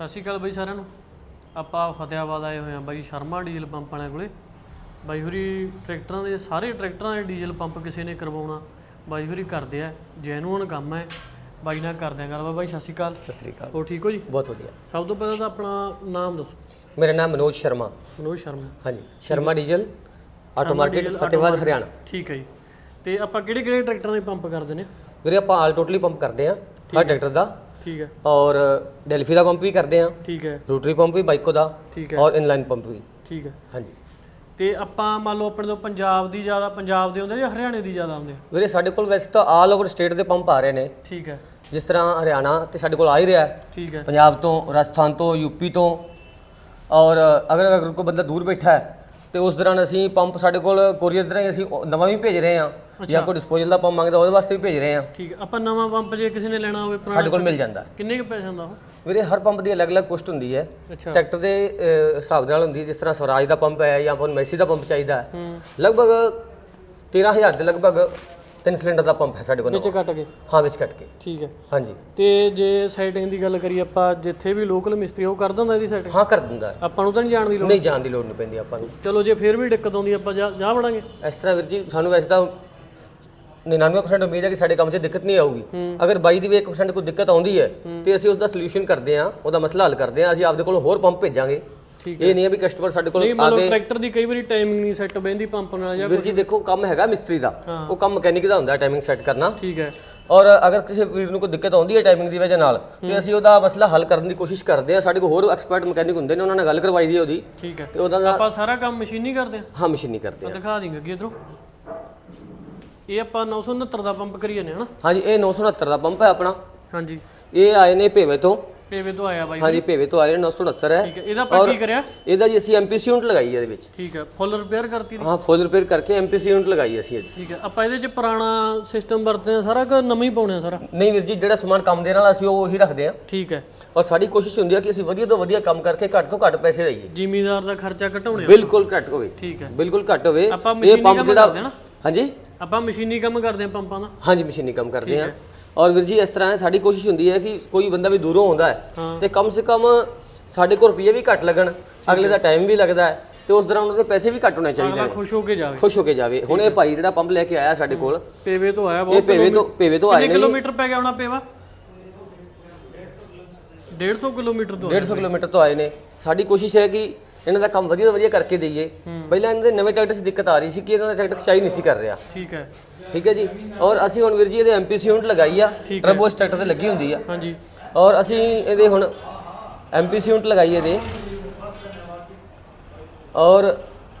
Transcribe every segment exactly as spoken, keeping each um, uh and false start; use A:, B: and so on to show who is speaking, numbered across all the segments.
A: ਸਤਿ ਸ਼੍ਰੀ ਅਕਾਲ ਬਾਈ ਸਾਰਿਆਂ ਨੂੰ। ਆਪਾਂ ਫਤਿਆਬਾਦ ਆਏ ਹੋਏ ਆ ਬਾਈ ਸ਼ਰਮਾ ਡੀਜ਼ਲ ਪੰਪ ਵਾਲਿਆਂ ਕੋਲੇ। ਬਾਈ ਹੋਰੀ ਟਰੈਕਟਰਾਂ ਦੇ ਸਾਰੇ ਟਰੈਕਟਰਾਂ ਦੇ ਡੀਜ਼ਲ ਪੰਪ ਕਿਸੇ ਨੇ ਕਰਵਾਉਣਾ ਬਾਈ ਹੋਰੀ ਕਰਦੇ ਆ, ਜੈਨੂਅਨ ਕੰਮ ਹੈ। ਬਾਈ ਨਾਲ ਕਰਦੇ ਆ ਗੱਲਬਾਤ। ਬਾਈ ਸਤਿ ਸ਼੍ਰੀ ਅਕਾਲ।
B: ਸਤਿ ਸ਼੍ਰੀ ਅਕਾਲ।
A: ਹੋਰ ਠੀਕ ਹੋ ਜੀ?
B: ਬਹੁਤ ਵਧੀਆ।
A: ਸਭ ਤੋਂ ਪਹਿਲਾਂ ਤਾਂ ਆਪਣਾ ਨਾਮ ਦੱਸੋ।
B: ਮੇਰਾ ਨਾਮ ਮਨੋਜ ਸ਼ਰਮਾ।
A: ਮਨੋਜ ਸ਼ਰਮਾ।
B: ਹਾਂਜੀ, Sharma diesel auto market Fatehabad Haryana.
A: ਠੀਕ ਹੈ ਜੀ। ਤੇ ਆਪਾਂ ਕਿਹੜੇ ਕਿਹੜੇ ਟਰੈਕਟਰਾਂ ਦੇ ਪੰਪ ਕਰਦੇ ਨੇ
B: ਵੀਰੇ? ਆਪਾਂ ਆਲ ਟੋਟਲੀ ਪੰਪ ਕਰਦੇ ਆ ਹਰ ਟਰੈਕਟਰ ਦਾ।
A: ਠੀਕ ਹੈ।
B: ਔਰ ਡੈਲਫੀ ਦਾ ਪੰਪ ਵੀ ਕਰਦੇ ਆ।
A: ਠੀਕ ਹੈ।
B: ਰੋਟਰੀ ਪੰਪ ਵੀ ਬਾਈਕੋ ਦਾ।
A: ਠੀਕ ਹੈ।
B: ਔਰ ਇਨਲਾਈਨ ਪੰਪ ਵੀ।
A: ਠੀਕ ਹੈ।
B: ਹਾਂਜੀ।
A: ਤੇ ਆਪਾਂ ਮੰਨ ਲਓ ਆਪਣੇ ਤੋਂ ਪੰਜਾਬ ਦੀ ਜ਼ਿਆਦਾ ਪੰਜਾਬ ਦੇ ਹੁੰਦੇ ਜਾਂ ਹਰਿਆਣੇ ਦੀ ਜ਼ਿਆਦਾ ਆਉਂਦੇ?
B: ਵੀਰੇ ਸਾਡੇ ਕੋਲ ਵੈਸੇ ਤਾਂ ਆਲ ਓਵਰ ਸਟੇਟ ਦੇ ਪੰਪ ਆ ਰਹੇ ਨੇ।
A: ਠੀਕ ਹੈ।
B: ਜਿਸ ਤਰ੍ਹਾਂ ਹਰਿਆਣਾ ਤੇ ਸਾਡੇ ਕੋਲ ਆ ਹੀ ਰਿਹਾ।
A: ਠੀਕ ਹੈ।
B: ਪੰਜਾਬ ਤੋਂ, ਰਾਜਸਥਾਨ ਤੋਂ, ਯੂਪੀ ਤੋਂ। ਔਰ ਅਗਰ ਅਗਰ ਕੋਈ ਬੰਦਾ ਦੂਰ ਬੈਠਾ ਹੈ ਤੇ ਉਸ ਦੌਰਾਨ ਅਸੀਂ ਪੰਪ ਸਾਡੇ ਕੋਲ ਕੋਰੀਅਰ ਦੇ ਰਾਹੀਂ ਅਸੀਂ ਨਵਾਂ ਵੀ ਭੇਜ ਰਹੇ ਹਾਂ। ਜਾਂ ਕੋਈ ਡਿਸਪੋਜ਼ਲ ਦਾ ਪੰਪ ਮੰਗਦਾ ਉਹਦੇ ਵਾਸਤੇ ਵੀ ਭੇਜ ਰਹੇ ਹਾਂ।
A: ਠੀਕ ਹੈ। ਆਪਾਂ ਨਵਾਂ ਪੰਪ ਜੇ ਕਿਸੇ ਨੇ ਲੈਣਾ ਹੋਵੇ
B: ਸਾਡੇ ਕੋਲ ਮਿਲ ਜਾਂਦਾ।
A: ਕਿੰਨੇ ਕੁ ਪੈਸੇ ਹੁੰਦਾ ਉਹ?
B: ਵੀਰੇ ਹਰ ਪੰਪ ਦੀ ਅਲੱਗ-ਅਲੱਗ ਕੋਸਟ ਹੁੰਦੀ ਹੈ।
A: ਅੱਛਾ।
B: ਟਰੈਕਟਰ ਦੇ ਅ, ਹਿਸਾਬ ਨਾਲ ਹੁੰਦੀ ਹੈ। ਜਿਸ ਤਰ੍ਹਾਂ ਸਵਰਾਜ ਦਾ ਪੰਪ ਹੈ ਜਾਂ ਆਪਾਂ ਨੂੰ ਮੈਸੀ ਦਾ ਪੰਪ ਚਾਹੀਦਾ ਹੈ, ਲਗਭਗ ਤੇਰਾਂ ਹਜ਼ਾਰ ਦੇ ਲਗਭਗ ਤਿੰਨ ਸਿਲੰਡਰ ਦਾ ਪੰਪ ਹੈ ਸਾਡੇ ਕੋਲ।
A: ਵਿੱਚ ਕੱਟ ਕੇ?
B: ਹਾਂ, ਵਿੱਚ ਕੱਟ ਕੇ।
A: ਠੀਕ ਹੈ।
B: ਹਾਂਜੀ।
A: ਤੇ ਜੇ ਸੈਟਿੰਗ ਦੀ ਗੱਲ ਕਰੀਏ ਆਪਾਂ, ਜਿੱਥੇ ਵੀ ਲੋਕਲ ਮਿਸਤਰੀ ਉਹ ਕਰ ਦਿੰਦਾ ਇਹਦੀ ਸੈਟਿੰਗ?
B: ਹਾਂ, ਕਰ ਦਿੰਦਾ।
A: ਆਪਾਂ ਨੂੰ ਤਾਂ ਨਹੀਂ ਜਾਣ ਦੀ ਲੋੜ?
B: ਨਹੀਂ, ਜਾਣ ਦੀ ਲੋੜ ਨਹੀਂ ਪੈਂਦੀ ਆਪਾਂ ਨੂੰ।
A: ਚਲੋ ਜੇ ਫਿਰ ਵੀ ਦਿੱਕਤ ਆਉਂਦੀ ਆਪਾਂ ਜਾ ਜਾ ਵੜਾਂਗੇ
B: ਇਸ ਤਰ੍ਹਾਂ ਵੀਰ ਜੀ, ਸਾਨੂੰ ਵੈਸੇ ਤਾਂ ਨਿन्यानवे परसेंट ਉਮੀਦ ਹੈ ਕਿ ਸਾਡੇ ਕੰਮ 'ਚ ਦਿੱਕਤ ਨਹੀਂ ਆਊਗੀ। ਅਗਰ ਬਾਈ ਦੀ ਵੀ ਇੱਕ ਪਰਸੈਂਟ ਕੋਈ ਦਿੱਕਤ ਆਉਂਦੀ ਹੈ ਤੇ ਅਸੀਂ ਉਸ ਦਾ ਸੋਲੂਸ਼ਨ ਕਰਦੇ ਹਾਂ, ਉਹਦਾ ਮਸਲਾ ਹੱਲ ਕਰਦੇ ਹਾਂ। ਅਸੀਂ ਆਪਦੇ ਕੋਲ ਹੋਰ ਪੰਪ ਭੇਜਾਂਗੇ। ਇਹ ਨਹੀਂ ਹੈ ਵੀ ਕਸਟਮਰ ਸਾਡੇ ਕੋਲ
A: ਆ ਕੇ ਟਰੈਕਟਰ ਦੀ ਕਈ ਵਾਰੀ ਟਾਈਮਿੰਗ ਨਹੀਂ ਸੈੱਟ ਬੈਂਦੀ ਪੰਪ ਨਾਲ ਜਾਂ
B: ਵੀਰ ਜੀ ਦੇਖੋ, ਕੰਮ ਹੈਗਾ ਮਿਸਤਰੀ ਦਾ, ਉਹ ਕੰਮ ਮਕੈਨਿਕ ਦਾ ਹੁੰਦਾ ਟਾਈਮਿੰਗ ਸੈੱਟ ਕਰਨਾ।
A: ਠੀਕ ਹੈ।
B: ਔਰ ਅਗਰ ਕਿਸੇ ਵੀਰ ਨੂੰ ਕੋਈ ਦਿੱਕਤ ਆਉਂਦੀ ਹੈ ਟਾਈਮਿੰਗ ਦੀ ਵਜ੍ਹਾ ਨਾਲ ਤੇ ਅਸੀਂ ਉਹਦਾ ਮਸਲਾ ਹੱਲ ਕਰਨ ਦੀ ਕੋਸ਼ਿਸ਼ ਕਰਦੇ ਹਾਂ। ਸਾਡੇ ਕੋਲ ਹੋਰ ਐਕਸਪਰਟ ਮਕੈਨਿਕ ਹੁੰਦੇ ਨੇ, ਉਹਨਾਂ ਨਾਲ ਗੱਲ ਕਰਵਾਈ ਦੀ ਉਹਦੀ।
A: ਠੀਕ ਹੈ।
B: ਤੇ ਉਹਦਾ
A: ਆਪਾਂ ਸਾਰਾ ਕੰਮ ਮਸ਼ੀਨੀ ਕਰਦੇ ਹਾਂ?
B: ਹਾਂ, ਮਸ਼ੀਨੀ ਕਰਦੇ ਹਾਂ।
A: ਦਿਖਾ ਦਿੰਗੇ ਅੱਗੇ ਇਧਰੋਂ। ਇਹ ਆਪਾਂ ਨੌ ਸੌ ਉਨੱਤਰ ਦਾ ਪੰਪ ਕਰੀ ਜਾਂਦੇ ਹਾਂ ਨਾ?
B: ਹਾਂਜੀ, ਇਹ ਨੌ ਸੌ ਉਨੱਤਰ ਦਾ ਪੰਪ ਹੈ ਆਪਣਾ।
A: ਹਾਂਜੀ।
B: ਇਹ ਆਏ ਨੇ ਭੇਵੇ ਤੋਂ।
A: ਭੇਵੇ ਤੋਂ ਆਇਆ ਬਾਈ?
B: ਹਾਂਜੀ, ਭੇਵੇ ਤੋਂ ਆਏ ਨੇ। ਨੌ ਸੌ ਉਨੱਤਰ ਹੈ।
A: ਠੀਕ ਹੈ। ਇਹਦਾ ਆਪਾਂ ਕੀ ਕਰਿਆ?
B: ਇਹਦਾ ਜੀ ਅਸੀਂ ਐਮਪੀਸੀ ਯੂਨਿਟ ਲਗਾਈ ਹੈ ਇਹਦੇ ਵਿੱਚ।
A: ਠੀਕ ਹੈ। ਫੁੱਲ ਰਿਪੇਅਰ ਕਰਤੀ?
B: ਹਾਂ, ਫੁੱਲ ਰਿਪੇਅਰ ਕਰਕੇ ਐਮਪੀਸੀ ਯੂਨਿਟ ਲਗਾਈ ਅਸੀਂ ਇਹਦੀ।
A: ਠੀਕ ਹੈ। ਆਪਾਂ ਇਹਦੇ ਚ ਪੁਰਾਣਾ ਸਿਸਟਮ ਵਰਤਦੇ ਆ ਸਾਰਾ ਕਿ ਨਵਾਂ ਹੀ ਪਾਉਣੇ ਆ ਸਾਰਾ?
B: ਨਹੀਂ ਵੀਰ ਜੀ, ਜਿਹੜਾ ਸਮਾਨ ਕੰਮ ਦੇ ਨਾਲ ਅਸੀਂ ਉਹ ਹੀ ਰੱਖਦੇ ਹਾਂ।
A: ਠੀਕ ਹੈ।
B: ਔਰ ਸਾਡੀ ਕੋਸ਼ਿਸ਼ ਹੁੰਦੀ ਹੈ ਕਿ ਅਸੀਂ ਵਧੀਆ ਤੋਂ ਵਧੀਆ ਕੰਮ ਕਰਕੇ ਘੱਟ ਤੋਂ ਘੱਟ ਪੈਸੇ ਲਈਏ।
A: ਜ਼ਿਮੀਦਾਰ ਦਾ ਖਰਚਾ ਘਟਾਉਣੇ?
B: ਬਿਲਕੁਲ ਘੱਟ ਹੋਵੇ।
A: ਠੀਕ ਹੈ।
B: ਬਿਲਕੁਲ ਘੱਟ ਹੋਵੇ।
A: ਆਪਾਂ ਮਸ਼ੀਨੀ ਕੰਮ ਕਰਦੇ ਆ ਨਾ?
B: ਹਾਂਜੀ,
A: ਆਪਾਂ ਮਸ਼ੀਨੀ ਕੰਮ ਕਰਦੇ ਆ ਪੰਪਾਂ ਦਾ?
B: ਹਾਂਜੀ, ਮਸ਼ੀਨੀ ਕੰਮ ਕਰਦੇ ਹਾਂ। ਔਰ ਵੀਰ ਜੀ ਇਸ ਤਰ੍ਹਾਂ ਸਾਡੀ ਕੋਸ਼ਿਸ਼ ਹੁੰਦੀ ਹੈ ਕਿ ਕੋਈ ਬੰਦਾ ਵੀ ਦੂਰੋਂ ਆਉਂਦਾ ਹੈ ਤੇ ਕਮ ਸੇ ਕਮ ਸਾਡੇ ਕੋਲ ਰੁਪਈਏ ਵੀ ਘੱਟ ਲੱਗਣ, ਅਗਲੇ ਦਾ ਟਾਈਮ ਵੀ ਲੱਗਦਾ ਹੈ ਤੇ ਉਸ ਦੌਰਾਨ ਉਹਦੇ ਪੈਸੇ ਵੀ ਘੱਟ ਹੋਣੇ ਚਾਹੀਦੇ ਨੇ।
A: ਖੁਸ਼ ਹੋ ਕੇ ਜਾਵੇ। ਖੁਸ਼
B: ਹੋ ਕੇ ਜਾਵੇ। ਹੁਣ ਇਹ ਭਾਈ ਜਿਹੜਾ ਪੰਪ ਲੈ ਕੇ ਆਇਆ ਸਾਡੇ ਕੋਲ,
A: ਪੇਵੇ ਤੋਂ ਆਇਆ।
B: ਇਹ ਪੇਵੇ ਤੋਂ ਪੇਵੇ ਤੋਂ ਆਏ ਨੇ।
A: ਕਿਲੋਮੀਟਰ ਪੈ ਗਿਆ ਹੋਣਾ ਪੇਵਾ? ਡੇਢ ਸੌ ਕਿਲੋਮੀਟਰ ਤੋਂ?
B: ਡੇਢ ਸੌ ਕਿਲੋਮੀਟਰ ਤੋਂ ਆਏ ਨੇ। ਸਾਡੀ ਕੋਸ਼ਿਸ਼ ਹੈ ਕਿ ਇਹਨਾਂ ਦਾ ਕੰਮ ਵਧੀਆ ਤੋਂ ਵਧੀਆ ਕਰਕੇ ਦਈਏ। ਪਹਿਲਾਂ ਇਹਨਾਂ ਦੇ ਨਵੇਂ ਟਰੈਕਟਰ 'ਚ ਦਿੱਕਤ ਆ ਰਹੀ ਸੀ ਕਿ ਇਹਨਾਂ ਦਾ ਟਰੈਕਟਰ ਖਿਚਾਈ ਨਹੀਂ ਸੀ ਕਰ ਰਿਹਾ।
A: ਠੀਕ ਹੈ।
B: ਠੀਕ ਹੈ ਜੀ। ਔਰ ਅਸੀਂ ਹੁਣ ਵੀਰ ਜੀ ਇਹਦੇ ਐਮਪੀਸੀ ਯੂਨਿਟ ਲਗਾਈ ਆ। ਟਰਬੋ ਸਟਾਰਟਰ ਤੇ ਲੱਗੀ ਹੁੰਦੀ ਆ।
A: ਹਾਂਜੀ।
B: ਔਰ ਅਸੀਂ ਇਹਦੇ ਹੁਣ ਐਮਪੀਸੀ ਯੂਨਿਟ ਲਗਾਈ ਇਹਦੇ। ਔਰ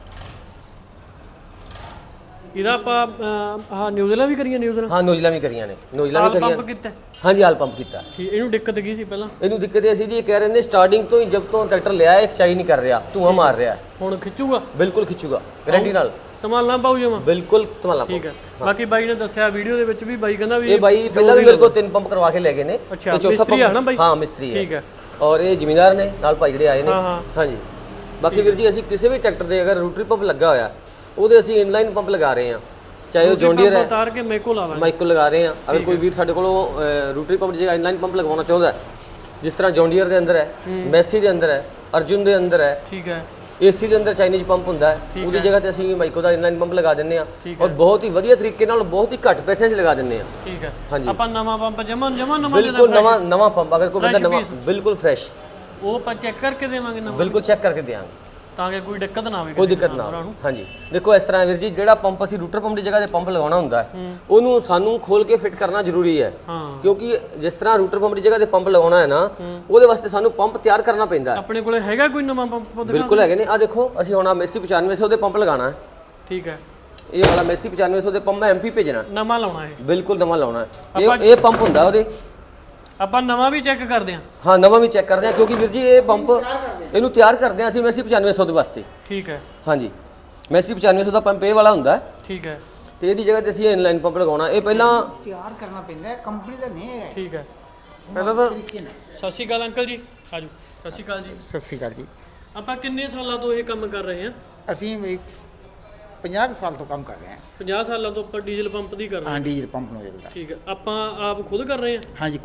A: ਇਹਦਾ ਆਪਾਂ ਆਹ ਨਿਊਜ਼ਲਾਂ ਵੀ ਕਰੀਆਂ? ਨਿਊਜ਼ਲਾਂ?
B: ਹਾਂ, ਨੋਜ਼ਲਾਂ ਵੀ ਕਰੀਆਂ ਨੇ। ਨੋਜ਼ਲਾਂ ਵੀ ਕਰੀਆਂ।
A: ਪੰਪ ਕੀਤਾ?
B: ਹਾਂਜੀ, ਹਾਲ ਪੰਪ ਕੀਤਾ।
A: ਠੀਕ। ਇਹਨੂੰ ਦਿੱਕਤ ਕੀ ਸੀ ਪਹਿਲਾਂ?
B: ਇਹਨੂੰ ਦਿੱਕਤ ਇਹ ਸੀ ਜੀ, ਇਹ ਕਹਿ ਰਹੇ ਨੇ ਸਟਾਰਟਿੰਗ ਤੋਂ ਹੀ ਜਦ ਤੋਂ ਟਰੈਕਟਰ ਲਿਆ ਇਹ ਖਿਚਾਈ ਨਹੀਂ ਕਰ ਰਿਹਾ, ਧੂਆਂ ਮਾਰ ਰਿਹਾ।
A: ਹੁਣ ਖਿੱਚੂਗਾ?
B: ਬਿਲਕੁਲ ਖਿੱਚੂਗਾ, ਗਾਰੰਟੀ ਨਾਲ।
A: ਤਮਾਲਾ ਪਾਉ ਜਾਵਾਂ?
B: ਬਿਲਕੁਲ ਤਮਾਲਾ ਪਾਉ।
A: ਠੀਕ ਹੈ। ਬਾਕੀ ਬਾਈ ਨੇ ਦੱਸਿਆ ਵੀਡੀਓ ਦੇ ਵਿੱਚ ਵੀ, ਬਾਈ ਕਹਿੰਦਾ ਵੀ
B: ਇਹ ਬਾਈ ਪਹਿਲਾਂ ਵੀ ਮੇਰੇ ਕੋਲ ਤਿੰਨ ਪੰਪ ਕਰਵਾ ਕੇ ਲੈ ਗਏ ਨੇ।
A: ਅੱਛਾ, ਮਿਸਤਰੀ ਆ ਨਾ ਬਾਈ?
B: ਹਾਂ, ਮਿਸਤਰੀ ਹੈ।
A: ਠੀਕ ਹੈ।
B: ਔਰ ਇਹ ਜ਼ਿਮੀਂਦਾਰ ਨੇ ਨਾਲ ਭਾਈ ਜਿਹੜੇ ਆਏ ਨੇ।
A: ਹਾਂ ਹਾਂ।
B: ਹਾਂਜੀ। ਬਾਕੀ ਵੀਰ ਜੀ ਅਸੀਂ ਕਿਸੇ ਵੀ ਟਰੈਕਟਰ ਦੇ ਅਗਰ ਰੋਟਰੀ ਪੰਪ ਲੱਗਾ ਹੋਇਆ ਉਹਦੇ ਅਸੀਂ ਇਨਲਾਈਨ ਪੰਪ ਲਗਾ ਰਹੇ ਹਾਂ, ਚਾਹੇ ਉਹ ਜੌਂਡੀਅਰ ਹੈ।
A: ਉਤਾਰ ਕੇ ਮਾਈਕੋ ਲਾ ਲਾਂਗੇ।
B: ਮਾਈਕੋ ਲਗਾ ਰਹੇ ਹਾਂ। ਅਗਰ ਕੋਈ ਵੀਰ ਸਾਡੇ ਕੋਲੋਂ ਰੋਟਰੀ ਪੰਪ ਦੀ ਜਗ੍ਹਾ ਇਨਲਾਈਨ ਪੰਪ ਲਗਵਾਉਣਾ ਚਾਹੁੰਦਾ ਹੈ, ਜਿਸ ਤਰ੍ਹਾਂ ਜੌਂਡੀਅਰ ਦੇ ਅੰਦਰ ਹੈ, ਮੈਸੀ ਦੇ ਅੰਦਰ ਹੈ, ਅਰਜੁਨ ਦੇ ਅੰਦਰ ਹੈ।
A: ਠੀਕ ਹੈ।
B: ਏਸੀ ਦੇ ਅੰਦਰ ਚਾਈਨੀਜ਼ ਪੰਪ ਹੁੰਦਾ ਹੈ, ਉਹਦੀ ਜਗ੍ਹਾ ਤੇ ਅਸੀਂ ਮਾਈਕੋ ਦਾ ਇਨਲਾਈਨ ਪੰਪ ਲਗਾ ਦਿੰਦੇ ਹਾਂ। ਔਰ ਬਹੁਤ ਹੀ ਵਧੀਆ ਤਰੀਕੇ ਨਾਲ ਬਹੁਤ ਹੀ ਘੱਟ ਪੈਸਿਆਂ 'ਚ ਲਗਾ ਦਿੰਦੇ ਹਾਂ।
A: ਠੀਕ ਹੈ।
B: ਹਾਂਜੀ।
A: ਆਪਾਂ ਨਵਾਂ ਪੰਪ ਜਮਾ ਜਮਾ ਨਵਾਂ
B: ਬਿਲਕੁਲ ਨਵਾਂ ਨਵਾਂ ਪੰਪ ਅਗਰ ਕੋਈ ਬੰਦਾ ਨਵਾਂ ਬਿਲਕੁਲ ਫਰੈਸ਼,
A: ਉਹ ਆਪਾਂ ਚੈੱਕ ਕਰਕੇ ਦੇਵਾਂਗੇ ਨਵਾਂ?
B: ਬਿਲਕੁਲ ਚੈੱਕ ਕਰਕੇ ਦੇਵਾਂਗੇ
A: ਤਾਂ ਕਿ ਕੋਈ ਦਿੱਕਤ ਨਾ ਆਵੇ।
B: ਕੋਈ ਦਿੱਕਤ ਨਾ ਆਵੇ। ਹਾਂਜੀ। ਦੇਖੋ ਇਸ ਤਰ੍ਹਾਂ ਵੀਰ ਜੀ, ਜਿਹੜਾ ਪੰਪ ਅਸੀਂ ਰੂਟਰ ਪੰਪ ਦੀ ਜਗ੍ਹਾ ਤੇ ਪੰਪ ਲਗਾਉਣਾ ਹੁੰਦਾ ਹੈ ਉਹਨੂੰ ਸਾਨੂੰ ਖੋਲ ਕੇ ਫਿੱਟ ਕਰਨਾ ਜ਼ਰੂਰੀ ਹੈ। ਕਿਉਂਕਿ ਜਿਸ ਤਰ੍ਹਾਂ ਰੂਟਰ ਪੰਪ ਦੀ ਜਗ੍ਹਾ ਤੇ ਪੰਪ ਲਗਾਉਣਾ ਹੈ ਨਾ, ਉਹਦੇ ਵਾਸਤੇ ਸਾਨੂੰ ਪੰਪ ਤਿਆਰ ਕਰਨਾ ਪੈਂਦਾ ਹੈ।
A: ਆਪਣੇ ਕੋਲੇ ਹੈਗਾ ਕੋਈ ਨਵਾਂ ਪੰਪ?
B: ਬਿਲਕੁਲ ਹੈਗੇ ਨੇ। ਆ ਦੇਖੋ, ਅਸੀਂ ਹੁਣ ਮੈਸੀ ਪਚਾਨਵੇਂ ਸੌ ਦੇ ਪੰਪ ਲਗਾਉਣਾ ਹੈ।
A: ਠੀਕ ਹੈ।
B: ਇਹ ਵਾਲਾ ਮੈਸੀ ਪਚਾਨਵੇਂ ਸੌ ਦੇ ਪੰਪ ਮੈਂ ਐਮਪੀ ਭੇਜਣਾ,
A: ਨਵਾਂ ਲਾਉਣਾ ਹੈ?
B: ਬਿਲਕੁਲ ਨਵਾਂ ਲਾਉਣਾ ਹੈ। ਇਹ ਇਹ ਪੰਪ ਹੁੰਦਾ ਉਹਦੇ।
A: ਆਪਾਂ ਨਵਾਂ ਵੀ ਚੈੱਕ ਕਰਦੇ ਹਾਂ?
B: ਹਾਂ, ਨਵਾਂ ਵੀ ਚੈੱਕ ਕਰਦੇ ਹਾਂ ਕਿਉਂਕਿ ਵੀਰ ਜੀ ਇਹ ਪੰਪ ਇਹਨੂੰ ਤਿਆਰ ਕਰਦੇ ਹਾਂ ਅਸੀਂ ਮੈਸੀ ਪਚਾਨਵੇਂ ਸੌ ਦੇ ਵਾਸਤੇ।
A: ਠੀਕ ਹੈ।
B: ਹਾਂਜੀ, ਮੈਸੀ ਪਚਾਨਵੇਂ ਸੌ ਦਾ ਪੰਪ ਇਹ ਵਾਲਾ ਹੁੰਦਾ ਹੈ।
A: ਠੀਕ ਹੈ।
B: ਤੇ ਇਹਦੀ ਜਗ੍ਹਾ ਤੇ ਅਸੀਂ ਇਨਲਾਈਨ ਪੰਪ ਲਗਾਉਣਾ। ਇਹ ਪਹਿਲਾਂ
C: ਤਿਆਰ ਕਰਨਾ ਪੈਂਦਾ ਹੈ, ਕੰਪਨੀ ਦਾ ਨਹੀਂ ਹੈ।
A: ਠੀਕ ਹੈ। ਪਹਿਲਾਂ ਤਾਂ ਸਤਿ ਸ਼੍ਰੀ ਅਕਾਲ ਅੰਕਲ ਜੀ। ਆਜੋ। ਸਤਿ ਸ਼੍ਰੀ ਅਕਾਲ ਜੀ।
C: ਸਤਿ ਸ਼੍ਰੀ ਅਕਾਲ ਜੀ।
A: ਆਪਾਂ ਕਿੰਨੇ ਸਾਲਾਂ ਤੋਂ ਇਹ ਕੰਮ ਕਰ ਰਹੇ ਹਾਂ?
C: ਅਸੀਂ ਵੀ ਪੰਜਾਹ ਸਾਲ ਤੋਂ ਕੰਮ ਕਰ ਰਹੇ ਹਾਂ।
A: ਪੰਜਾਹ ਸਾਲਾਂ ਤੋਂ ਆਪਾਂ ਡੀਜ਼ਲ ਪੰਪ ਦੀ ਕਰ ਰਹੇ ਹਾਂ?
C: ਹਾਂ, ਡੀਜ਼ਲ ਪੰਪ ਨੋਜ਼ਲ ਦਾ।
A: ਠੀਕ ਹੈ। ਆਪਾਂ ਆਪ ਖੁਦ ਕਰ ਰਹੇ ਹਾਂ?
C: ਹਾਂਜੀ, ਖੁਦ।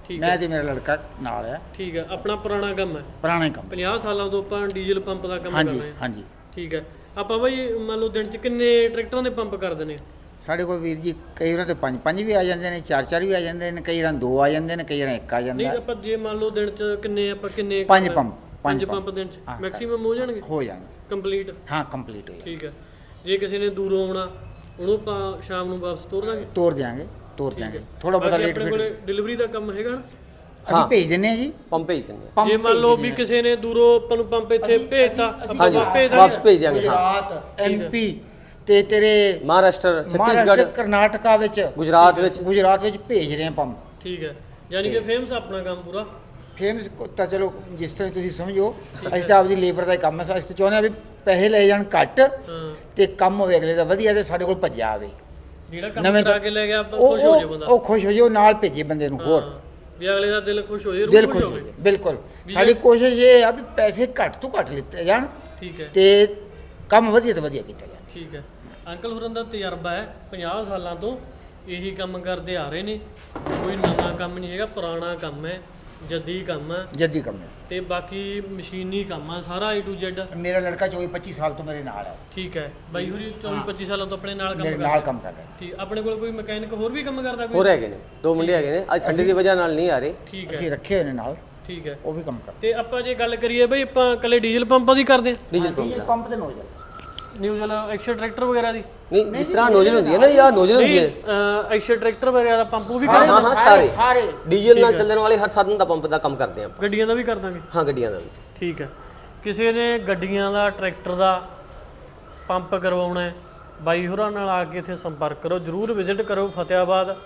C: ਮੈਂ ਤੇ ਮੇਰਾ ਲੜਕਾ ਨਾਲ ਆ।
A: ਠੀਕ ਹੈ, ਆਪਣਾ ਪੁਰਾਣਾ ਕੰਮ ਹੈ,
C: ਪੁਰਾਣਾ ਹੀ ਕੰਮ।
A: ਪੰਜਾਹ ਸਾਲਾਂ ਤੋਂ ਆਪਾਂ ਡੀਜ਼ਲ ਪੰਪ ਦਾ ਕੰਮ ਕਰ
C: ਹਾਂਜੀ
A: ਰਹੇ ਹਾਂ।
C: ਹਾਂਜੀ।
A: ਠੀਕ ਹੈ, ਆਪਾਂ ਬਾਈ ਮੰਨ ਲਓ ਦਿਨ 'ਚ ਕਿੰਨੇ ਟਰੈਕਟਰਾਂ ਦੇ ਪੰਪ ਕਰ ਦਿੰਦੇ ਆ?
C: ਸਾਡੇ ਕੋਲ ਵੀਰ ਜੀ ਕਈ ਵਾਰ ਤੇ ਪੰਜ ਪੰਜ ਵੀ ਆ ਜਾਂਦੇ ਨੇ, ਚਾਰ ਚਾਰ ਵੀ ਆ ਜਾਂਦੇ ਨੇ, ਕਈ ਵਾਰ ਦੋ ਆ ਜਾਂਦੇ ਨੇ, ਕਈ ਵਾਰ ਇੱਕ ਆ
A: ਨਹੀਂ
C: ਜਾਂਦਾ।
A: ਆਪਾਂ ਜੇ ਮੰਨ ਲਓ ਦਿਨ 'ਚ ਕਿੰਨੇ ਆਪਾਂ ਕਿੰਨੇ
C: ਪੰਜ ਪੰਪ
A: ਪੰਜ
C: ਪੰਜ
A: ਪੰਪ ਦਿਨ 'ਚ
C: ਹਾਂ,
A: ਮੈਕਸਿਮਮ ਹੋ ਜਾਣਗੇ
C: ਹੋ ਜਾਣਗੇ।
A: ਕੰਪਲੀਟ?
C: ਹਾਂ ਕੰਪਲੀਟ ਹੋ ਜਾਣਗੇ।
A: ਠੀਕ ਹੈ, ਜੇ ਕਿਸੇ ਨੇ ਦੂਰੋਂ ਆਉਣਾ ਉਹਨੂੰ ਆਪਾਂ ਸ਼ਾਮ ਨੂੰ ਵਾਪਸ ਤੋਰ ਦਾਂਗੇ?
C: ਤੋਰ ਦਿਆਂਗੇ ਤੋਰ ਦਿਆਂਗੇ ਥੋੜਾ ਬਹੁਤਾ ਲੇਟ
A: ਆਪਣੇ ਕੋਲੇ
C: ਫੇਟ
A: ਡਿਲੀਵਰੀ ਦਾ ਕੰਮ ਹੈਗਾ ਨਾ?
C: ਅਸੀਂ ਭੇਜ ਦਿੰਨੇ ਆ ਜੀ।
B: ਪੰਪ ਭੇਜ ਦਿੰਦੇ
C: ਪੰਪ
A: ਜੇ ਮੰਨ
C: ਭੇਜ
A: ਲਓ
C: ਦਿੰਦੇ
A: ਵੀ
C: ਆ।
A: ਕਿਸੇ ਨੇ ਦੂਰੋਂ ਆਪਾਂ ਨੂੰ ਪੰਪ ਇੱਥੇ ਭੇਜਤਾ ਆਪਾਂ
B: ਹਾਂਜੀ,
A: ਵਾਪਸ ਭੇਜ
B: ਵਾਪਸ
A: ਦਾਂਗੇ?
B: ਭੇਜ ਦਿਆਂਗੇ। ਹਾਂ,
C: ਗੁਜਰਾਤ ਐਮਪੀ ਤੇ ਤੇਰੇ
B: ਮਹਾਰਾਸ਼ਟਰ,
C: ਮਹਾਰਾਸ਼ਟਰ
B: ਛੱਤੀਸਗੜ੍ਹ,
C: ਕਰਨਾਟਕਾ ਵਿੱਚ
B: ਗੁਜਰਾਤ ਵਿੱਚ।
C: ਗੁਜਰਾਤ ਵਿੱਚ ਭੇਜ ਰਹੇ ਆ ਪੰਪ।
A: ਠੀਕ ਹੈ, ਯਾਨੀ ਕਿ ਫੇਮਸ ਆਪਣਾ ਕੰਮ ਪੂਰਾ।
C: ਫੇਮਸ ਤਾਂ ਚਲੋ ਜਿਸ ਤਰ੍ਹਾਂ ਤੁਸੀਂ ਸਮਝੋ, ਅਸੀਂ ਤਾਂ ਆਪਦੀ ਲੇਬਰ ਦਾ ਹੀ ਕੰਮ ਹੈ। ਅਸੀਂ ਤਾਂ ਚਾਹੁੰਦੇ ਆ ਵੀ ਪੈਸੇ ਲਏ ਜਾਣ ਘੱਟ
A: ਹਾਂ,
C: ਤੇ ਕੰਮ ਹੋਵੇ ਅਗਲੇ ਦਾ ਵਧੀਆ ਤੇ ਸਾਡੇ ਕੋਲ ਭੱਜਿਆ ਆਵੇ।
A: ਜਿਹੜਾ ਕੰਮ
C: ਨਵੇਂ
A: ਕਰਾ
C: ਤੋਂ-
A: ਕੇ ਲੈ ਗਿਆ ਆਪਾਂ
C: ਉਹ
A: ਖੁਸ਼ ਹੋ ਜਾਏ
C: ਉਹ-
A: ਬੰਦਾ।
C: ਉਹ ਖੁਸ਼ ਹੋ ਜਾਏ, ਉਹ ਨਾਲ ਭੇਜੇ ਬੰਦੇ ਨੂੰ ਹੋਰ।
A: ਹਾਂ, ਵੀ ਅਗਲੇ ਦਾ ਦਿਲ ਖੁਸ਼ ਹੋ ਜਾਏ,
C: ਦਿਲ
A: ਰੂਹ
C: ਖੁਸ਼
A: ਖੁਸ਼
C: ਹੋ
A: ਹੋਵੇ।
C: ਜਾਏ ਬਿਲਕੁਲ। ਸਾਡੀ ਕੋਸ਼ਿਸ਼ ਇਹ ਆ ਵੀ ਪੈਸੇ ਘੱਟ ਤੋਂ ਘੱਟ ਲਿੱਤੇ ਜਾਣ
A: ਠੀਕ ਹੈ,
C: ਤੇ ਕੰਮ ਵਧੀਆ ਤੋਂ ਵਧੀਆ ਕੀਤਾ ਜਾਵੇ।
A: ਠੀਕ ਹੈ। ਅੰਕਲ ਹੋਰਾਂ ਦਾ ਤਜਰਬਾ ਹੈ, ਪੰਜਾਹ ਸਾਲਾਂ ਤੋਂ ਇਹੀ ਕੰਮ ਕਰਦੇ ਆ ਰਹੇ ਨੇ, ਕੋਈ ਨਵਾਂ ਕੰਮ ਨਹੀਂ ਹੈਗਾ, ਪੁਰਾਣਾ ਕੰਮ ਹੈ, ਜੱਦੀ ਕੰਮ ਹੈ
C: ਜੱਦੀ ਕੰਮ ਹੈ।
A: ਤੇ ਬਾਕੀ ਮਸ਼ੀਨੀ ਕੰਮ ਆ ਸਾਰਾ A to Z।
C: ਮੇਰਾ ਲੜਕਾ ਚੌਵੀ ਪੱਚੀ ਸਾਲ ਤੋਂ ਮੇਰੇ ਨਾਲ ਹੈ।
A: ਠੀਕ ਹੈ, ਬਾਈ ਹੋਰੀ ਚੌਵੀ ਪੱਚੀ ਸਾਲਾਂ ਤੋਂ ਆਪਣੇ ਨਾਲ ਕੰਮ
C: ਮੇਰੇ
A: ਕਰਦਾ?
C: ਨਾਲ ਕੰਮ ਕਰ ਰਿਹਾ।
A: ਠੀਕ, ਆਪਣੇ ਕੋਲ ਕੋਈ ਮਕੈਨਿਕ ਹੋਰ ਵੀ ਕੰਮ ਕਰਦਾ ਕੋਈ?
B: ਹੋਰ ਹੈਗੇ ਨੇ, ਦੋ ਮੁੰਡੇ ਹੈਗੇ ਨੇ, ਅੱਜ ਸੰਡੇ ਦੀ ਵਜ੍ਹਾ ਨਾਲ ਨਹੀਂ ਆ ਰਹੇ।
A: ਠੀਕ ਹੈ,
C: ਅਸੀਂ ਰੱਖੇ ਹੋਏ ਨੇ ਨਾਲ,
A: ਠੀਕ ਹੈ।
C: ਉਹ ਵੀ ਕੰਮ ਕਰ।
A: ਤੇ ਆਪਾਂ ਜੇ ਗੱਲ ਕਰੀਏ ਬਈ ਆਪਾਂ ਇਕੱਲੇ ਡੀਜ਼ਲ ਪੰਪਾਂ ਦੀ ਕਰਦੇ ਹਾਂ?
B: ਡੀਜ਼ਲ ਪੰਪ
C: ਡੀਜ਼ਲ
B: ਦਾ
C: ਪੰਪ ਤੇ ਨੋਜ਼ਲ
A: ਨਿਊਜ਼ਲ ਐਕਸ਼ਨ ਟਰੈਕਟਰ ਵਗੈਰਾ ਦੀ?
B: ਨਹੀਂ, ਜਿਸ ਤਰ੍ਹਾਂ ਨੋਜ਼ਲ ਹੁੰਦੀ ਹੈ ਨਾ ਜਾਂ ਨੋਜ਼ਲ ਹੁੰਦੀ ਹੈ।
A: ਐਕਸ਼ਨ ਟਰੈਕਟਰ ਵਗੈਰਾ ਦਾ ਪੰਪ ਉਹ ਵੀ
B: ਹਾਂ
A: ਕਰਦੇ
B: ਹਾਂ ਹਾਂ, ਸਾਰੇ
C: ਸਾਰੇ
B: ਡੀਜ਼ਲ ਨਾਲ ਚੱਲਣ ਵਾਲੇ ਹਰ ਸਾਧਨ ਦਾ ਪੰਪ ਦਾ ਕੰਮ ਕਰਦੇ ਆਪਾਂ।
A: ਗੱਡੀਆਂ ਦਾ ਵੀ ਕਰ ਦਾਂਗੇ?
B: ਹਾਂ, ਗੱਡੀਆਂ ਦਾ ਵੀ।
A: ਠੀਕ ਹੈ, ਕਿਸੇ ਨੇ ਗੱਡੀਆਂ ਦਾ ਟਰੈਕਟਰ ਦਾ ਪੰਪ ਕਰਵਾਉਣਾ ਹੈ, ਬਾਈ ਹੋਰਾਂ ਨਾਲ ਆ ਕੇ ਇੱਥੇ ਸੰਪਰਕ ਕਰੋ, ਜਰੂਰ ਵਿਜ਼ਿਟ ਕਰੋ ਫਤਿਆਬਾਦ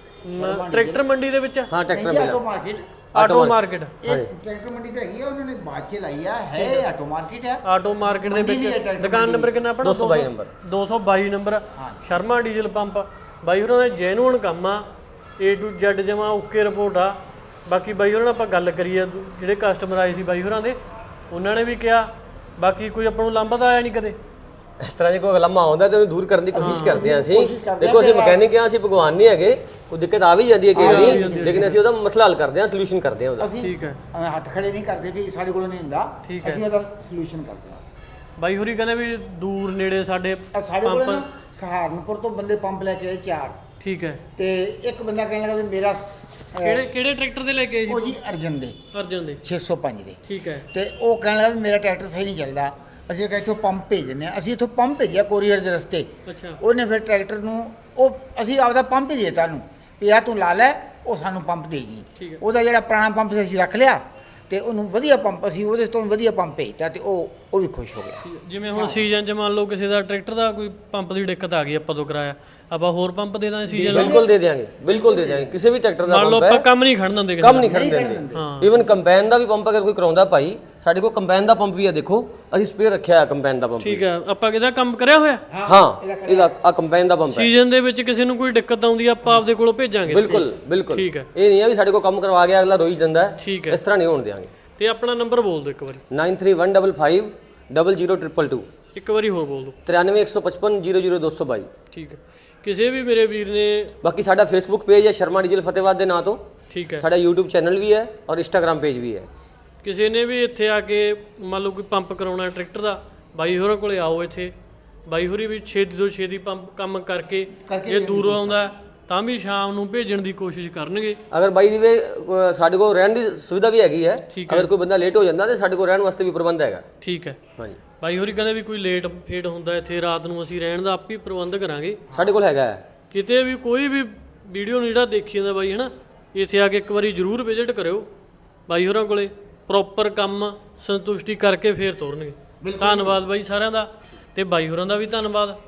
A: ਮ- ਟਰੈਕਟਰ ਮੰਡੀ ਦੇ ਵਿੱਚ,
B: ਹਾਂ, ਟਰੈਕਟਰ
C: ਆਟੋ
B: ਮਿਲਾ
C: ਮਾਰਕੀਟ।
A: Auto market.
C: ਇਹ ਟਰੈਕਟਰ ਮੰਡੀ ਤਾਂ ਹੈਗੀ ਆ, ਉਹਨਾਂ ਨੇ ਬਾਅਦ ਚ ਲਾਈ ਆ, ਹੈ ਆਟੋ ਮਾਰਕੀਟ ਹੈ।
A: ਆਟੋ ਮਾਰਕੀਟ ਦੇ
C: ਮੰਡੀ ਵੀ ਹੈ
A: ਵਿੱਚ
C: ਟਰੈਕਟਰ
A: ਦੁਕਾਨ
C: ਮੰਡੀ
A: ਨੰਬਰ ਕਿੰਨਾ ਆਪਣਾ?
B: ਦੋ ਸੌ ਬਾਈ ਨੰਬਰ।
A: ਦੋ ਸੌ ਬਾਈ ਨੰਬਰ, ਸ਼ਰਮਾ ਡੀਜ਼ਲ ਪੰਪ। ਬਾਈ ਹੋਰਾਂ ਦਾ ਜੈਨੂਅਨ ਕੰਮ ਆ, A to Z ਜਮਾ ਓਕੇ ਰਿਪੋਰਟ ਆ। ਬਾਕੀ ਬਾਈ ਹੋਰਾਂ ਨਾਲ ਆਪਾਂ ਗੱਲ ਕਰੀਏ, ਜਿਹੜੇ ਕਸਟਮਰ ਆਏ ਸੀ ਬਾਈ ਹੋਰਾਂ ਦੇ, ਉਹਨਾਂ ਨੇ ਵੀ ਕਿਹਾ, ਬਾਕੀ ਕੋਈ ਆਪਾਂ ਨੂੰ ਲਾਂਭਾ ਤਾਂ ਆਇਆ ਨਹੀਂ ਕਦੇ?
B: ਇਸ ਤਰ੍ਹਾਂ ਦੀ ਕੋਈ ਲੰਮਾ ਆਉਂਦਾ ਤੇ ਉਹਨੂੰ ਦੂਰ ਕਰਨ ਦੀ ਕੋਸ਼ਿਸ਼ ਕਰਦੇ ਹਾਂ ਅਸੀਂ।
C: ਕੋਸ਼ਿਸ਼ ਕਰਦੇ
B: ਦੇਖੋ, ਅਸੀਂ ਮਕੈਨਿਕ ਹਾਂ, ਅਸੀਂ ਭਗਵਾਨ ਨਹੀਂ ਹੈਗੇ, ਕੋਈ ਦਿੱਕਤ ਆ ਵੀ ਜਾਂਦੀ ਹੈ ਕਈ ਵਾਰੀ, ਲੇਕਿਨ ਅਸੀਂ ਉਹਦਾ ਮਸਲਾ ਹੱਲ ਕਰਦੇ ਹਾਂ, ਸੋਲੂਸ਼ਨ ਕਰਦੇ ਹਾਂ ਉਹਦਾ।
C: ਅਸੀਂ
A: ਠੀਕ ਹੈ,
C: ਐਵੇਂ ਹੱਥ ਖੜੇ ਨਹੀਂ ਕਰਦੇ ਵੀ ਸਾਡੇ ਕੋਲ ਨਹੀਂ ਹੁੰਦਾ,
A: ਠੀਕ ਹੈ।
C: ਅਸੀਂ ਉਹਦਾ ਸੋਲੂਸ਼ਨ ਕਰਦੇ ਹਾਂ।
A: ਬਾਈ ਹੋਰੀ ਕਹਿੰਦੇ ਵੀ ਦੂਰ ਨੇੜੇ ਸਾਡੇ
C: ਇਹ ਸਾਡੇ ਕੋਲ ਨਾ ਸਹਾਰਨਪੁਰ ਤੋਂ ਬੰਦੇ ਪੰਪ ਲੈ ਕੇ ਆਏ ਚਾਰ,
A: ਠੀਕ ਹੈ।
C: ਤੇ ਇੱਕ ਬੰਦਾ ਕਹਿਣ ਲੱਗਾ ਵੀ ਮੇਰਾ ਅਹ,
A: ਕਿਹੜੇ ਕਿਹੜੇ ਟਰੈਕਟਰ ਦੇ ਲੈ ਕੇ ਆਏ
C: ਉਹ
A: ਜੀ?
C: ਜੀ ਅਰਜਨ ਦੇ
A: ਅਰਜਨ ਦੇ।
C: ਛੇ ਸੌ ਪੰਜ ਦੇ।
A: ਠੀਕ ਹੈ,
C: ਤੇ ਉਹ ਕਹਿਣ ਲੱਗਾ ਵੀ ਮੇਰਾ ਟਰੈਕਟਰ ਸਹੀ ਨਹੀਂ ਚੱਲਦਾ, ਅਸੀਂ ਕਿਹਾ ਇੱਥੋਂ ਪੰਪ ਭੇਜ ਦਿੰਦੇ ਹਾਂ। ਅਸੀਂ ਇੱਥੋਂ ਪੰਪ ਭੇਜਿਆ ਕੋਰੀਅਰ ਦੇ ਰਸਤੇ।
A: ਅੱਛਾ,
C: ਉਹਨੇ ਫਿਰ ਟਰੈਕਟਰ ਨੂੰ ਉਹ ਅਸੀਂ ਆਪਦਾ ਪੰਪ ਹੀ ਦੇਤਾ ਨੂੰ ਵੀ ਆ ਤੂੰ ਲਾ ਲੈ, ਉਹ ਸਾਨੂੰ ਪੰਪ ਦੇ
A: ਠੀਕ
C: ਗਈ।
A: ਹੈ।
C: ਉਹਦਾ ਜਿਹੜਾ ਪੁਰਾਣਾ ਪੰਪ ਸੀ ਅਸੀਂ ਰੱਖ ਲਿਆ ਤੇ ਉਹਨੂੰ ਵਧੀਆ ਪੰਪ, ਅਸੀਂ ਉਹਦੇ ਤੋਂ ਵੀ ਵਧੀਆ ਪੰਪ ਭੇਜਤਾ ਤੇ ਉਹ ਉਹ ਵੀ ਖੁਸ਼ ਹੋ ਗਿਆ।
A: ਜਿਵੇਂ ਹੁਣ ਸੀਜ਼ਨ 'ਚ ਮੰਨ ਲਓ ਕਿਸੇ ਦਾ ਟਰੈਕਟਰ ਦਾ ਕੋਈ ਪੰਪ ਦੀ ਦਿੱਕਤ ਆ ਗਈ, ਆਪਾਂ ਤੋਂ ਕਰਾਇਆ, ਆਪਾਂ ਹੋਰ ਪੰਪ ਦੇ ਦਾਂਗੇ ਸੀਜ਼ਨ ਨੂੰ?
B: ਬਿਲਕੁਲ ਦੇ ਦਿਆਂਗੇ, ਬਿਲਕੁਲ ਦੇ ਦਿਆਂਗੇ। ਕਿਸੇ ਵੀ ਟਰੈਕਟਰ ਦਾ
A: ਮੰਨ ਲਓ
B: ਪੰਪ
A: ਆਪਾਂ
B: ਹੈ,
A: ਕੰਮ ਨਹੀਂ ਖੜਨ ਦਿੰਦੇ ਕਿਸੇ
B: ਕੰਮ
A: ਦਾ।
B: ਨਹੀਂ ਖੜਨ ਦਿੰਦੇ। ਈਵਨ ਕੰਬਾਈਨ ਦਾ ਵੀ ਪੰਪ ਅਗਰ ਕੋਈ ਕਰਾਉਂਦਾ ਭਾਈ, ਸਾਡੇ ਕੋਲ ਕੰਬਾਈਨ ਦਾ ਪੰਪ ਵੀ ਹੈ, ਦੇਖੋ ਅਸੀਂ ਸਪੇਅਰ ਰੱਖਿਆ ਹੈ ਕੰਬਾਈਨ ਦਾ ਪੰਪ।
A: ਠੀਕ ਹੈ, ਆਪਾਂ ਕਿਹਦਾ ਕੰਮ ਕਰਿਆ ਹੋਇਆ?
B: ਹਾਂ, ਇਹਦਾ ਆ ਕੰਬਾਈਨ ਦਾ ਪੰਪ ਹੈ।
A: ਸੀਜ਼ਨ ਦੇ ਵਿੱਚ ਕਿਸੇ ਨੂੰ ਕੋਈ ਦਿੱਕਤ ਆਉਂਦੀ ਆ, ਆਪਾਂ ਆਪਦੇ ਕੋਲੋਂ ਭੇਜਾਂਗੇ।
B: ਬਿਲਕੁਲ ਬਿਲਕੁਲ,
A: ਠੀਕ ਹੈ।
B: ਇਹ ਨਹੀਂ ਹੈ ਵੀ ਸਾਡੇ ਕੋਲ ਕੰਮ ਕਰਵਾ ਗਿਆ ਅਗਲਾ ਰੋਈ ਜਾਂਦਾ ਹੈ,
A: ਠੀਕ ਹੈ,
B: ਇਸ ਤਰ੍ਹਾਂ ਨਹੀਂ ਹੋਣ ਦਿਆਂਗੇ।
A: ਤੇ ਆਪਣਾ ਨੰਬਰ ਬੋਲ ਦਿਓ ਇੱਕ ਵਾਰੀ।
B: Nine three one double five double zero triple two,
A: ਇੱਕ ਵਾਰੀ ਹੋਰ ਬੋਲ ਦਿਓ।
B: ਤ੍ਰਿਆਨਵੇਂ ਇੱਕ ਸੌ ਪਚਪਨ ਜ਼ੀਰੋ ਜ਼ੀਰੋ ਦੋ ਸੌ ਬਾਈ।
A: ਠੀਕ ਹੈ, ਕਿਸੇ ਵੀ ਮੇਰੇ ਵੀਰ ਨੇ,
B: ਬਾਕੀ ਸਾਡਾ ਫੇਸਬੁੱਕ ਪੇਜ ਹੈ ਸ਼ਰਮਾ ਡੀਜ਼ਲ ਫਤਿਹਬਾਦ ਦੇ ਨਾਂ ਤੋਂ,
A: ਠੀਕ ਹੈ,
B: ਸਾਡਾ YouTube ਚੈਨਲ ਵੀ ਹੈ ਔਰ ਇੰਸਟਾਗ੍ਰam ਪੇਜ ਵੀ ਹੈ।
A: ਕਿਸੇ ਨੇ ਵੀ ਇੱਥੇ ਆ ਕੇ ਮੰਨ ਲਓ ਕੋਈ ਪੰਪ ਕਰਾਉਣਾ ਟਰੈਕਟਰ ਦਾ, ਬਾਈ ਹੋਰਾਂ ਕੋਲੇ ਆਓ ਇੱਥੇ। ਬਾਈ ਹੋਰੀ ਵੀ ਛੇਤੀ ਤੋਂ ਛੇਤੀ ਪੰਪ ਕੰਮ ਕਰਕੇ, ਜੇ ਦੂਰੋਂ ਆਉਂਦਾ ਹੈ, ਤਾਂ ਵੀ ਸ਼ਾਮ ਨੂੰ ਭੇਜਣ ਦੀ ਕੋਸ਼ਿਸ਼ ਕਰਨਗੇ।
B: ਅਗਰ ਬਾਈ ਦੀ ਵੇ ਅ, ਸਾਡੇ ਕੋਲ ਰਹਿਣ ਦੀ ਸੁਵਿਧਾ ਵੀ ਹੈਗੀ ਹੈ,
A: ਠੀਕ
B: ਅਗਰ ਕੋਈ ਬੰਦਾ ਲੇਟ ਹੋ ਜਾਂਦਾ ਤੇ ਸਾਡੇ ਕੋਲ ਰਹਿਣ ਵਾਸਤੇ ਵੀ ਪ੍ਰਬੰਧ ਹੈਗਾ।
A: ਠੀਕ ਹੈ,
B: ਹਾਂਜੀ,
A: ਬਾਈ ਹੋਰੀ ਕਹਿੰਦੇ ਵੀ ਕੋਈ ਲੇਟ ਫੇਟ ਹੁੰਦਾ ਇੱਥੇ ਰਾਤ ਨੂੰ, ਅਸੀਂ ਰਹਿਣ ਦਾ ਆਪ ਹੀ ਪ੍ਰਬੰਧ ਕਰਾਂਗੇ।
B: ਸਾਡੇ ਕੋਲ ਹੈਗਾ ਹੈ।
A: ਕਿਤੇ ਵੀ ਕੋਈ ਵੀ ਵੀਡੀਓ ਨੂੰ ਜਿਹੜਾ ਦੇਖੀ ਜਾਂਦਾ ਬਾਈ, ਹੈ ਨਾ, ਇੱਥੇ ਆ ਕੇ ਇੱਕ ਵਾਰੀ ਜ਼ਰੂਰ ਵਿਜ਼ਿਟ ਕਰਿਓ ਬਾਈ ਹੋਰਾਂ ਕੋਲੇ, ਪ੍ਰੋਪਰ ਕੰਮ ਸੰਤੁਸ਼ਟੀ ਕਰਕੇ ਫੇਰ ਤੋਰਨਗੇ। ਧੰਨਵਾਦ ਬਾਈ ਸਾਰਿਆਂ ਦਾ, ਤੇ ਬਾਈ ਹੋਰਾਂ ਦਾ ਵੀ ਧੰਨਵਾਦ।